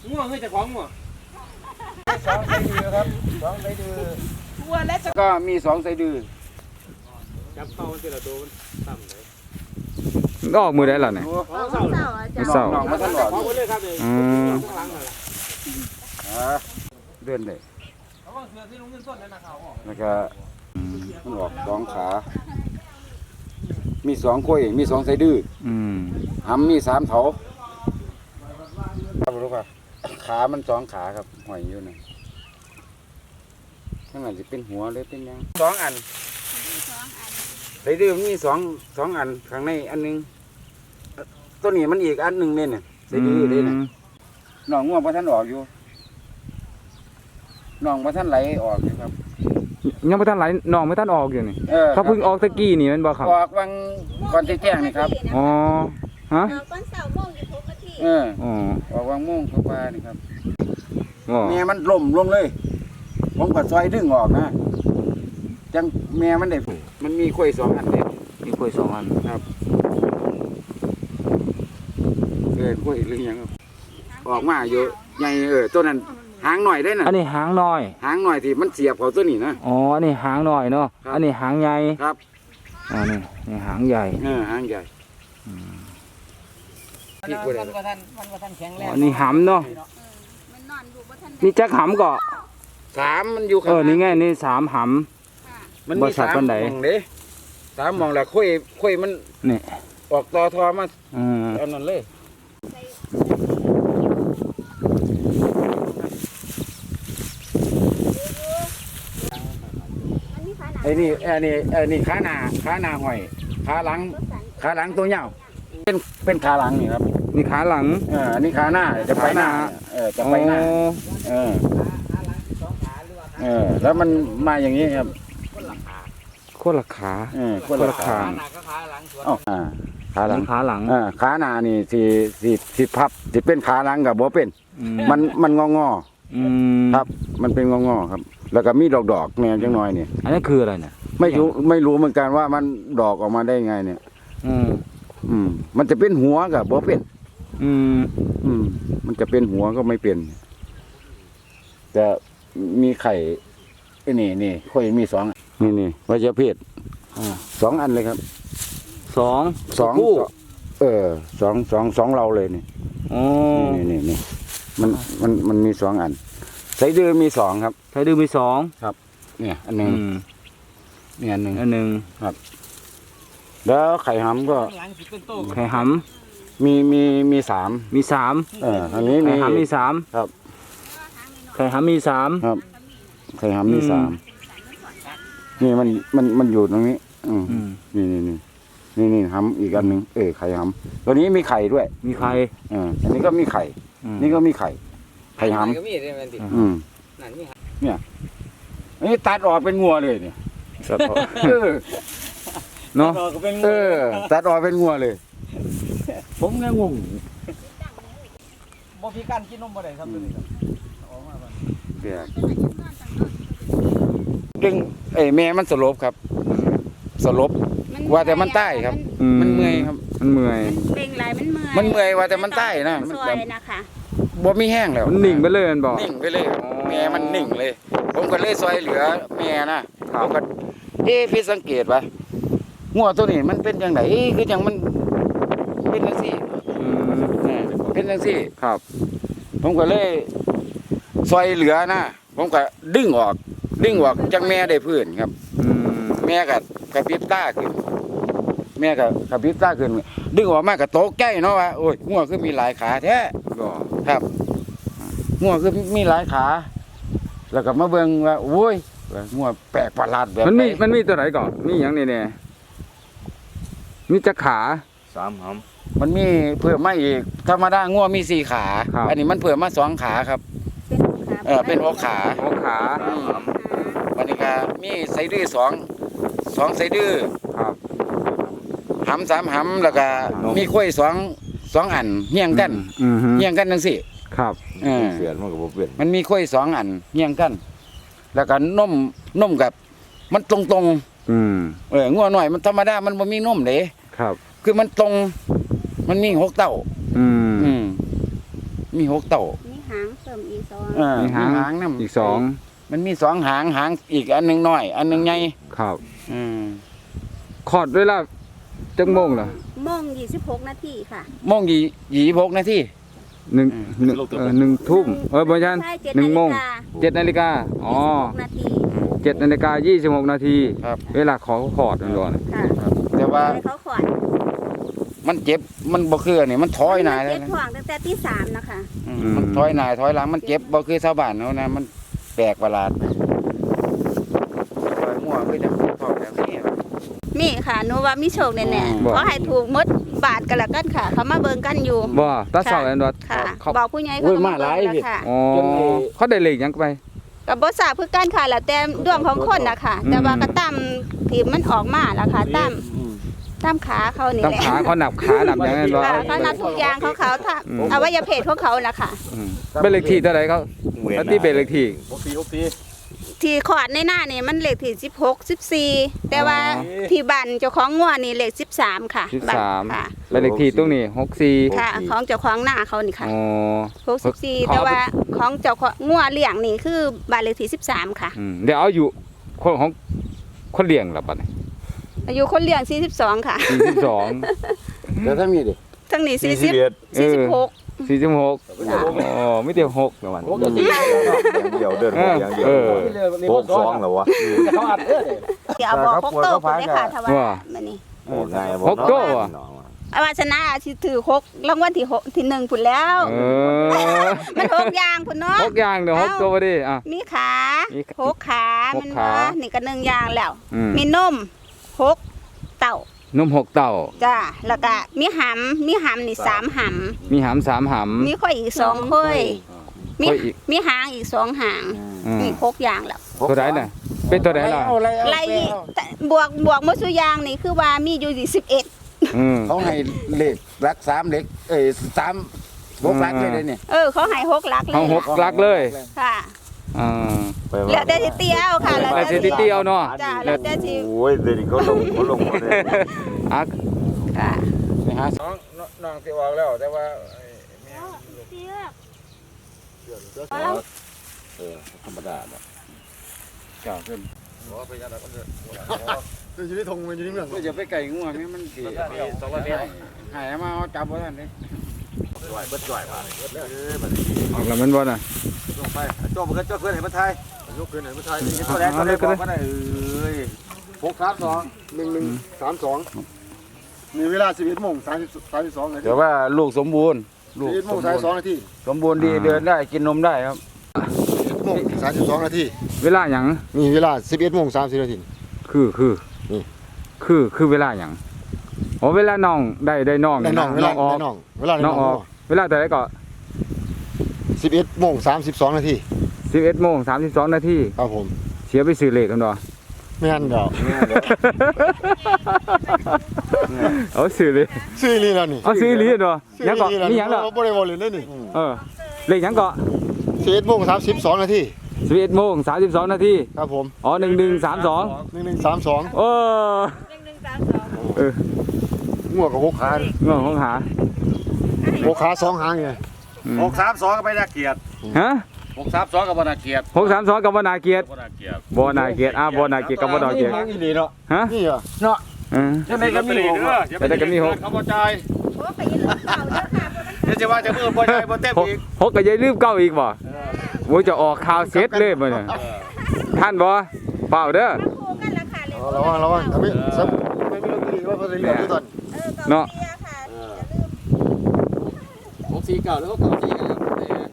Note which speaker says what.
Speaker 1: ง่วงให้จะของง่วง
Speaker 2: 2 ไส้ดื้อครับ2 ไส้ดื้อ
Speaker 3: วัวและจะ
Speaker 2: ก็มี2 ไส้ดื้อ
Speaker 1: จับเข้ามันจะระโดนต่ำเลย
Speaker 4: ก็ออกมือได้หรอเนี่ย
Speaker 2: ไม่เศร้าน้องมาตลอด
Speaker 1: เลยครับเลยข้างหลังนั่นแหละ
Speaker 2: เดินได้
Speaker 1: เขาว่าเสือที่ลุงเงินต้นนั่นนะเขาออก
Speaker 2: แล้วก็มันออก2 ขามี2 กล้วยมี2 ไส้ดื้อหำมี3 เถาครับรู้ป่ะขามัน2 ขาครับห้อยอยู่นะข้างหลังจะเป็นหัวเลยเป็นยัง2 อันไส้ดื้อมี2 อันข้างในอันนึงตัวนี้มันอีกอันนึงเนี่ยไส้ดื้อเลยนะน้องง่วงพระท่านออกอยู่น้องพระท่านไหลออกอยู่ครับ
Speaker 4: ยังไม่ทันไหลน้องไม่ทันออกอยู่นี่เขาเพิ่งออกตะกี้นี่มันบอกครับ
Speaker 2: ออกวังก่อนจะแจ้งนี่ครับ
Speaker 4: อ๋อฮะ
Speaker 3: ก้อนเสาโมงอยู่ทุกนาที
Speaker 2: ออกวังม่วงเข้ามานี่ครับแม่มันล่มลงเลยผมก็ซอยดึงออกนะจังแม่มันได้มันมีกล้วย2 อันเลย
Speaker 4: มีกล้วย2 อัน
Speaker 2: ครับกล้วยหรือยังออกมาเยอะใหญ่ตัวนั้นหางหน่อยได้น่ะ
Speaker 4: อันนี้หางน้อย
Speaker 2: หางหน่อยที่มันเสียบเขาตัวนี้นะ
Speaker 4: อ๋ออันนี้หางน้อยเนาะอันนี้หางใหญ่
Speaker 2: ครับ
Speaker 4: นี่หางใหญ่
Speaker 2: หางใหญ่
Speaker 1: พี่กูเลยมันแข็งแรง
Speaker 4: อันนี้หำเนาะนี่จักหำก็
Speaker 2: 3มันอยู่
Speaker 4: นี่ไงนี่3 ห
Speaker 2: ำมันมี3 มองเด้3 มองแล้วค่อยมัน
Speaker 4: นี่
Speaker 2: ออกต่อทอมาอันนั้นเลยไอ้นี่ขาหน้าหอยขาหลังตัวยาวเป็นขาหลังนี่ครับ
Speaker 4: นี่ขาหลัง
Speaker 2: อันนี้ขาหน้าจะไปหน้าจะไปหน้าแล้วมันมาอย่างนี้ครับ
Speaker 4: โคตรขา
Speaker 2: คนละขาขาหลัง
Speaker 4: ขาหลัง
Speaker 2: ขาหน้านี่สิพับสิเป็นขาหลังกับบ่เป็นมันงอครับมันเป็นงอครับแล้วก็มีดอกแนวจังน้อยเนี่ย
Speaker 4: อันนี้คืออะไรเนี่ย
Speaker 2: ไม่รู้เหมือนกันว่ามันดอกออกมาได้ไงเนี่ยมันจะเป็นหัวกับบ่เป็นมันจะเป็นหัวก็ไม่เป็นจะมีไข่นี่ค่อยมี2นี่วัชพืช2 อันเลยครับ2คู่2เราเลยนี่นี่มันมี2 อันไส้ดื้อมี2ครับ
Speaker 4: ไส้ดื้อมี2
Speaker 2: ครับเนี่ยอันนึงเนี่ยอันนึงครับแล้วไข่หำก็
Speaker 4: ไข่ห
Speaker 2: ำมี3อันนี้
Speaker 4: ไข่หำมี3
Speaker 2: ครับ
Speaker 4: ไข่หำมี3
Speaker 2: ครับไข่หำมี3นี่มันอยู่ตรงนี้นี่หำอีกอันนึงไข่หำตัวนี้มีไข่ด้วย
Speaker 4: มีไข่
Speaker 2: อันนี้ก็มีไข่นี่ก็มีไข่หำเนี่ยอันนี้ตัดออกเป็นงัวเลยเนี่ย
Speaker 4: เนาะ
Speaker 2: ตัดออกเป็นงัวเลยผมแค่งง
Speaker 1: บ่พี่กันกินนมบ่ได้ครับตัวนี้ครับออกมาบ่
Speaker 2: เปียกดึงแม่มันสลบครับสลบว่าแต่มันใต้ครับมันเมื่อยครับ
Speaker 4: มันเมื่อย
Speaker 3: เป็นไร
Speaker 2: มันเมื่อยว่าแต่มันใต้นะ
Speaker 3: มันซอยนะคะ
Speaker 2: บ่มีแห้งแล้ว
Speaker 4: มันนิ่งไปเลยมันบอก
Speaker 2: นิ่งไปเลยแม่มันนิ่งเลยผมก็เลยซอยเหลือแม่นะผมก็พี่สังเกตว่างัวตัวนี้มันเป็นยังไงคือยังมันเป็นจังซี่เป็นจังซี่
Speaker 4: ครับ
Speaker 2: ผมก็เลยซอยเหลือนะผมก็ดึงออกจังแม่ได้พื้นครับแม่กับกระพริบตาขึ้นแม่กับกระพริบตาขึ้นดึงออกมากับโต๊ะใกล้เนาะว่าโอ้ยงัวคือมีหลายขาแท้ครับงัวคือมีหลายขาแล้วก็มาเบิ่งว่าโอ้ยงัวแปลกประหลาดแบบ
Speaker 4: มันมีตัวไหนก่อนมีอย่างนี้เนี่ยมีจักขา
Speaker 2: 3 หำมันมีเพิ่มมาอีกธรรมดางัวมี4 ขาอันนี้มันเพิ่มมา2 ขาครับเป็น6 ขาวันนี้ก็มีไส้ดื้อ2 ไส้ดื้อหำ3 หำแล้วก็มีกล้วย2 อันเฮี้ยงกันจังซี่
Speaker 4: ครับ
Speaker 2: เสียนมันก็บ่เป็นมันมีกล้วย2 อันเฮี้ยงกันแล้วก็นมกับมันตรงงัวหน่อยมันธรรมดามันบ่มีนมเด้
Speaker 4: ครับ
Speaker 2: คือมันตรงมันมี6 เต้ามี6 เต้า
Speaker 3: หางเสริมอีกสอง
Speaker 2: มี
Speaker 4: หาง
Speaker 2: หางนำ
Speaker 4: อีกสอง
Speaker 2: มันมี2หางหางอีกอันหนึงน้อย อันหนึงใหญ่
Speaker 4: ครับ
Speaker 2: อืม
Speaker 4: คลอดเวลาจักโมงเหรอ
Speaker 3: โมง26 นาทีค่ะ
Speaker 2: โมง26นาที
Speaker 4: หนึ่งหนึ่งทุ่มบ่ใช่
Speaker 3: ใช่
Speaker 4: 1 โมง
Speaker 3: 7 นาฬิกา
Speaker 4: 7 นาฬิกาอ๋อ
Speaker 3: 26 นาที
Speaker 4: 7 นาฬิกา 26 นาที
Speaker 2: ครับ
Speaker 4: เวลาขอคลอดนั่นก่อน
Speaker 3: ค่ะ
Speaker 2: แต่ว่า
Speaker 3: ให้เขาขอด
Speaker 2: มันเจ็บมันบ่คืออันนี่มันถอยหน้าเลย
Speaker 3: เจ็บ
Speaker 2: นะ
Speaker 3: ท้องตั้งแต่ที่3นะคะ
Speaker 2: มันถอยหน้าถอยหลังมันเจ็บบ่คือชาวบ้านเขานะมันแปลกประหลาดถอยมั่วคือจะท้องแบบนี้
Speaker 3: มีค่ะหนูว่ามีโชคแน่
Speaker 2: บ่
Speaker 3: ๆขอให้ถูกหมดบาทกันละกันค่ะ เขามาเบิ่งกันอยู่
Speaker 4: บ่ตาเสาแอนดอ
Speaker 3: ค่ะ
Speaker 4: เขา
Speaker 3: บอกผู้ใหญ่
Speaker 2: โอ้
Speaker 3: เขา
Speaker 2: ย
Speaker 3: ก็
Speaker 2: มาหลาย
Speaker 3: เบิ่ง
Speaker 2: พี่
Speaker 3: แล้วค่ะ
Speaker 4: อ๋อ
Speaker 2: จนเลย
Speaker 4: เขาได้เลขหยังไป
Speaker 3: ก็บ่ทราบคือกันค่ะแล้วแต่ดวงของคนน่ะค่ะ แต่ว่าก็ตามที่มันออกมาแล้วค่ะตามขาเขานี่
Speaker 4: ตาม
Speaker 3: แหละ
Speaker 4: ขาเขาหนับขาหนับอย่างนั้นบ่
Speaker 3: ค่ะเขานับทุกอย่างเขาถ้า
Speaker 4: อืม
Speaker 3: อวัยวะเพศของเขาน่ะค่ะ
Speaker 4: อืมเป็นเลขที่เท่าไหร่เขาปฏิเป็นเลขที่
Speaker 3: ที่ขอดในหน้านี่มันเลขที่16 14แต่ว่า
Speaker 4: อ๋อ
Speaker 3: ที่บ้านเจ้าของงัวนี่เลข13ค่ะบ้านค่ะ
Speaker 4: 13เป็นเลขที่ตรงนี้64
Speaker 3: ค่ะ ของเจ้าของหน้าเขานี่ค่ะ
Speaker 4: อ๋อ
Speaker 3: 64แต่ว่าของเจ้าของงัวเลี้ยงนี่คือบ้านเลขที่13ค่ะ
Speaker 4: เดี๋ยวเอาอยู่คนของคนเลี้ยงล่ะบัดนี้
Speaker 3: อายุคนเลี้ยง42ค่ะ
Speaker 4: 42
Speaker 2: แล้วถ้ามีดิ
Speaker 3: ทั้งนี้
Speaker 4: เออ
Speaker 3: 46
Speaker 4: 46อ๋อไม่ได้6แล้วมัน
Speaker 5: อย่างเดียวเดินอย่างเดียวโบกสองเหรอวะ
Speaker 1: เขาอัดเด้อ
Speaker 3: เดี๋ยวบอก6โตะพุ่นเลยค่ะถ้าว่า
Speaker 4: ว่า
Speaker 3: มื้อนี้
Speaker 5: โอ้ง่าย
Speaker 4: หกโต้อะ
Speaker 3: อาว่าชนะสิถือ6รางวัลที่6ที่1พุ่นแล้ว
Speaker 4: เออ
Speaker 3: มัน6อย่างพุ่นเนาะ
Speaker 4: 6อย่างเดี๋ยว6ตัวดิอ่ะ
Speaker 3: มีขา
Speaker 4: มีขา
Speaker 3: 6ขา
Speaker 4: หก
Speaker 3: มัน
Speaker 4: ขา
Speaker 3: ว่านี่ก็1อย่างแล้ว
Speaker 4: อืม
Speaker 3: มีนม6เต่า
Speaker 4: นม6เต่า
Speaker 3: จ้าแล้วก็มีหำนี่3ห
Speaker 4: มีหำ3ห
Speaker 3: ำมีข่อยอีก2ข่อยมี
Speaker 4: ข่อยอีก
Speaker 3: มีหางอีก2หาง
Speaker 4: ำ
Speaker 3: นี่6อย่างแล้ว
Speaker 4: ตัวไหนน่ะเป็นตัวไหนล่ะ
Speaker 3: ไล่แต่บวกหมดสุอยางนี่คือว่ามีอยู่11
Speaker 2: เขาให้เลขรัก3เลข3 6รักเลยเนี่ย
Speaker 3: เขาให้6หลักเล
Speaker 4: เอา
Speaker 3: ย
Speaker 4: 6ลักเลย
Speaker 3: ค่ะ
Speaker 4: อ่า
Speaker 3: แล้วแต่สิเตียวค่ะ
Speaker 4: แล้วแต่สิเตี้ยวเนาะ
Speaker 3: จ้าแล้วแต่สิ
Speaker 5: โอ้ยเดี๋ยวนี้เขาลงหมดเลย
Speaker 4: อ่ะ
Speaker 3: ค่ะ
Speaker 2: ไปหาน้องสิออกแล้วแต่ว่า
Speaker 5: ธรรมดาเนาะ
Speaker 2: เจ้าขึ้น
Speaker 6: คือชีวิตทงมันอยู่ในเมือง
Speaker 2: ก็จะไปไก่ง่วงนี่มันสิหายมาเอาจับบ่ทันเด้
Speaker 4: ออกแล้วมันบ่น่ะ
Speaker 5: ลงไปโจ้เพื่อนเห็นมาไทย
Speaker 6: ยกเกินไหนมาไทย
Speaker 5: ตัวแรกตัวแรกบอกว่าได้เอ้ย
Speaker 6: 1132มีเวลา11โมง32นาที
Speaker 2: แต่ว่าลูกสมบูรณ์ลูก
Speaker 6: 11โมง32นาที
Speaker 2: สมบูรณ์ดีเดินได้กินนมได้ครับ
Speaker 6: 11โมง32นาที
Speaker 4: เวลาหยัง
Speaker 6: มีเวลา11โมง30นาที
Speaker 4: คือ
Speaker 6: นี่
Speaker 4: คือเวลาหยังอ๋อเวลาน้องได้น้อง
Speaker 6: ได้น้องเวลา
Speaker 4: ออก
Speaker 6: ได้น้องเวลาได้
Speaker 4: น้
Speaker 6: น้
Speaker 4: อ
Speaker 6: อง ง
Speaker 4: ออกเวลาแต่ไหนก็
Speaker 6: 11โมง32นาที
Speaker 4: 11โมง32นาที
Speaker 6: ครับผม
Speaker 4: เสียไปซื้อเลขกันบ่
Speaker 6: ไม่งั้นเดี๋ยว
Speaker 4: เอาซื้อเลย
Speaker 6: ซื้อลีแล้วนี่
Speaker 4: เอาซื้อลีเนาะยังก็มีหยัง
Speaker 6: เหร
Speaker 4: ล่ะ
Speaker 6: บ่ได้บ่เลยเลยนี่
Speaker 4: เลขหยังก็
Speaker 6: 11โมง32นาที
Speaker 4: 11โมง32นาที
Speaker 6: ครับผม
Speaker 4: อ๋อ1132
Speaker 6: 1132
Speaker 4: เออเออ
Speaker 6: งัวกับ6ขา
Speaker 4: เงื่อนของหา
Speaker 6: 6ขา2หางไง
Speaker 5: 632ก็ไปน่าเกลียด
Speaker 4: ฮะ
Speaker 5: 632ก็บ่น่าเกลียด
Speaker 4: 632กับบ่นาเกียรติ
Speaker 5: บ่น่าเกลียด
Speaker 4: บ่นาเกียรติบ่นาเกียรติกับบ่นาเกียรติ
Speaker 2: อีหลีเนาะ
Speaker 4: ฮะ
Speaker 6: นี่เหรอ
Speaker 4: เออ
Speaker 5: ยังไงก็มีหกเขาบ่จ่าย
Speaker 3: โอ้ไปยืนเก่าเด้อค่ะ
Speaker 5: เดี๋ยวจะว่าจะมือบ่จ่ายบ่เต็มอีก
Speaker 4: หกก็อย่าลืมเก้าอีกบ่โอ้ยจะออกข่าวเสร็จเลยบ่เนี่ยท่านบ่เปล่าเด้อ
Speaker 3: คู่กันละค่ะเลย
Speaker 6: ระวังถ้าไม่มีลอตเตอรี่ว่าลอตเตอรี่อยู่ตอน
Speaker 3: เก่าเสียค่ะอย่าลืม
Speaker 1: 649แล้วก็94